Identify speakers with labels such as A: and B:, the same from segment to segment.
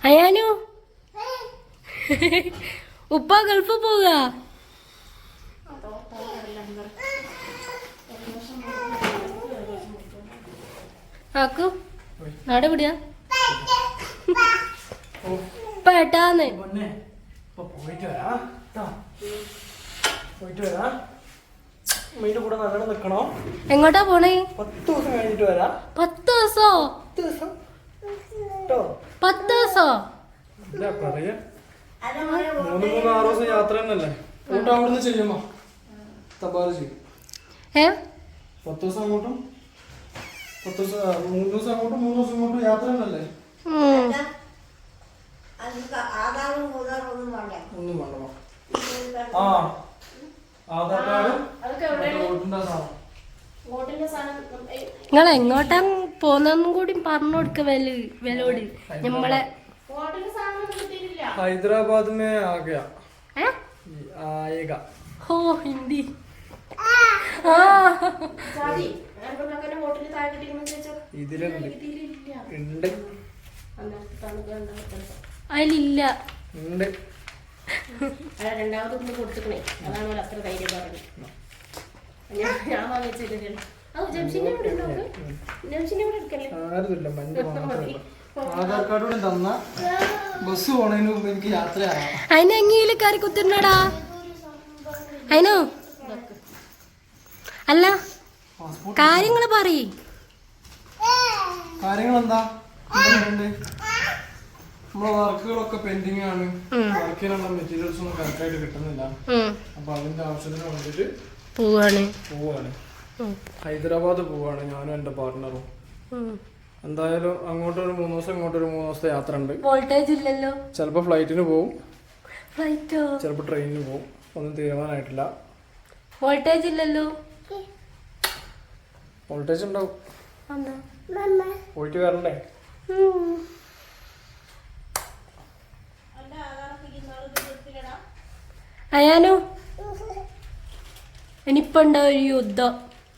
A: അയാനു ഉപ്പ ഗൾഫ് പോവുക. ആക്കു നാട് പിടിയാ പേട്ടാന്ന് എങ്ങോട്ടാ പോണേ?
B: 10 ദിവസം കഴിഞ്ഞിട്ട് വരാം.
A: 10 ദിവസോ? 10 ദിവസോ?
B: 3-6 ദിവസം യാത്ര തന്നെയല്ലേ. അവിടുന്ന് ചെയ്യുമ്പോ തപാല് ചെയ്യും. 10 ദിവസം അങ്ങോട്ടും 3 ദിവസം അങ്ങോട്ടും 3 ദിവസം ഇങ്ങോട്ടും യാത്ര തന്നെയല്ലേ. ഒന്നും വേണ്ട. ആ ആധാർ
A: നിങ്ങൾ എങ്ങോട്ടാ പോന്നെന്നും കൂടി പറഞ്ഞു കൊടുക്ക വിലോട് നമ്മളെ
B: ഹൈദരാബാദ് में आ गया आएगा.
A: हो हिंदी
B: ഇതിലുണ്ട്
A: അതിലില്ല.
C: രണ്ടാമത് കൊടുത്തിക്കണേ, അതാണ് അത്ര ധൈര്യം പറഞ്ഞു. ഞാൻ വാങ്ങിച്ചില്ല.
B: ആധാർ കാർഡ് തന്ന ബസ് പോണതിന് മുമ്പ് എനിക്ക് യാത്രയാവാം.
A: അതിനെങ്കിലും കയറി കുത്തിരുന്നടാ. അതിനോ അല്ല കാര്യങ്ങള് പറയ്.
B: കാര്യങ്ങളെന്താ? നമ്മളെ വർക്കുകളൊക്കെ പെൻഡിങ് ആണ്. വർക്കിനുള്ള മെറ്റീരിയൽസ് ഒന്നും കറക്റ്റായിട്ട് കിട്ടുന്നില്ല. അപ്പൊ അതിന്റെ ആവശ്യത്തിന് വേണ്ടിട്ട് പോവാണ്. ഹൈദരാബാദ് പോവാണ് ഞാനും എന്റെ പാർട്ട്ണറും. എന്തായാലും അങ്ങോട്ടൊരു 3 ദിവസം ഇങ്ങോട്ടൊരു 3 ദിവസത്തെ യാത്ര ഉണ്ട്.
A: വോൾട്ടേജ് ഇല്ലല്ലോ.
B: ചിലപ്പോ ഫ്ലൈറ്റിന് പോവും,
A: ഫ്ലൈറ്റോ
B: ചിലപ്പോ ട്രെയിനിന് പോവും. ഒന്നും തീരുമാനമായിട്ടില്ല.
A: വോൾട്ടേജ് ഇല്ലല്ലോ.
B: വോൾട്ടേജ് ഉണ്ടാവും. പോയിട്ട് വരണ്ടേ?
A: അയാനോ ഇനിയിപ്പോ ഉണ്ടാവും ഒരു യുദ്ധം.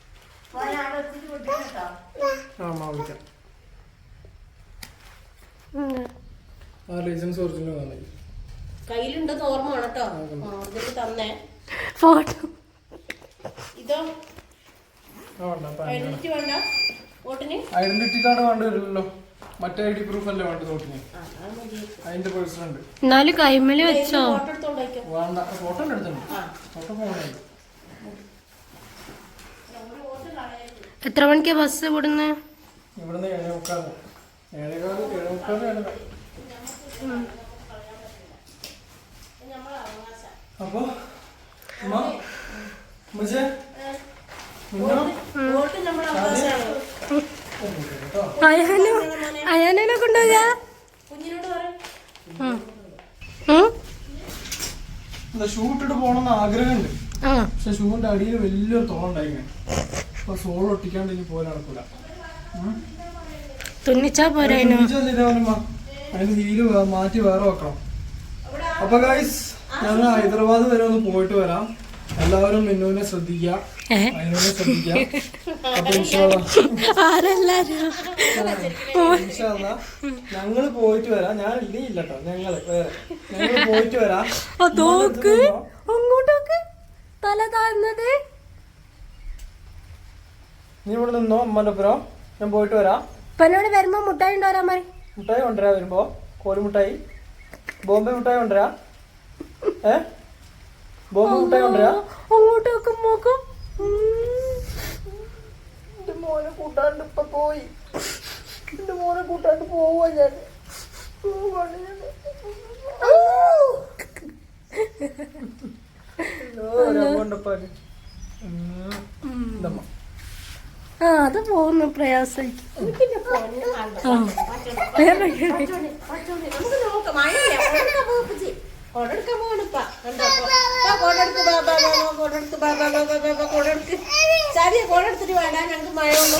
B: ലൈസൻസ് ഒറിജിനൽ
C: കയ്യിലുണ്ടെന്ന് ഓർമ്മ വേണം കേട്ടോ. തന്നെ
A: ഫോട്ടോ
C: ഇതോ ഐഡന്റിറ്റി വേണ്ട. വോട്ടിന്
B: ഐഡന്റിറ്റി കാർഡ് വേണ്ടി വരില്ലല്ലോ. മറ്റേ ഐഡി പ്രൂഫ് അല്ലേ വേണ്ടത് വോട്ടിന്. അതിന്റെ പേഴ്സൺ ഉണ്ട്.
A: എന്നാലും കൈമല് വെച്ചോ?
B: വേണ്ട, ഫോട്ടോ എടുത്തുണ്ട്. ഫോട്ടോ പോകണേ.
A: എത്ര മണിക്കാ ബസ് ഇവിടുന്ന്?
B: ഇവിടുന്ന് 7:45. അപ്പൊ
A: അയാനെ കൊണ്ടുപോകാ.
B: ഷൂ ഇട്ടിട്ട് പോണെന്ന് ആഗ്രഹമുണ്ട്. പക്ഷെ ഷൂവിന്റെ അടിയിൽ വലിയൊരു തോളുണ്ടായിങ്ങനെ. അപ്പൊ സോൾ ഒട്ടിക്കാണ്ട് ഇനി പോലെ നടക്കൂല.
A: തുന്നിച്ചാ പോരാ.
B: അതിന് ഹീല് മാറ്റി വേറെ വെക്കണം. അപ്പൊ ഗൈസ് ഞങ്ങൾ ഹൈദരാബാദ് വരെ ഒന്ന് പോയിട്ട് വരാം. എല്ലാവരും മിന്നുവിനെ ശ്രദ്ധിക്കുക, അതിനോട് ശ്രദ്ധിക്കുക. അപ്പൊ ഞങ്ങള് പോയിട്ട് വരാം. ഞാൻ ഇല്ല കേട്ടോ, ഞങ്ങള് പോയിട്ട് വരാം.
A: അങ്ങോട്ടൊക്കെ തല താഴ്ന്നത്.
B: നീ ഇവിടെ നിന്നോ അമ്മന്റെ ഒപ്പം. ഞാൻ പോയിട്ട് വരാം.
A: ഇപ്പനോട് വരുമ്പോ മുട്ടായി ഉണ്ടോരാ മതി.
B: മുട്ടായി കൊണ്ടുവരാ വരുമ്പോ. കോലുമുട്ടായി, ബോംബെ മുട്ടായി കൊണ്ടുവരാ. ബോംബെ മുട്ടായി കൊണ്ടുവരാ.
A: അങ്ങോട്ടൊക്കെ നോക്കും.
B: എന്റെ മോനെ കൂട്ടാണ്ട് ഇപ്പൊ പോയി. എന്റെ മോനെ കൂട്ടാണ്ട് പോവാ ഞാൻ.
A: അത് പോകുന്നു പ്രയാസം.
C: കൊടെടുത്തിട്ട് വേണ്ട, ഞങ്ങക്ക് മഴ ഒന്നും.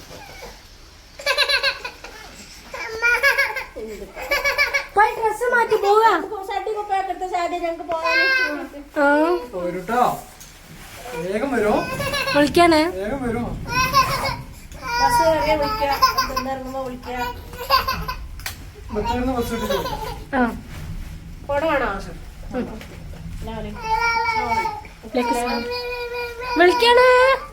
A: ഡ്രസ് മാറ്റി പോവാ.
C: ഞങ്ങക്ക് പോകാൻ
B: വേഗം വരുമോ?
A: വിളിക്കാനേ
B: വേഗം വരുമോ?
C: ബസ് കയറിയാ വിളിക്കാം. ഇറങ്ങുമ്പോ വിളിക്കാം.
B: ബത്തേന്ന് ബസ് കിട്ടി.
A: ആ
C: ഫോട്ടോ വേണോ?
A: വിളിക്കണേ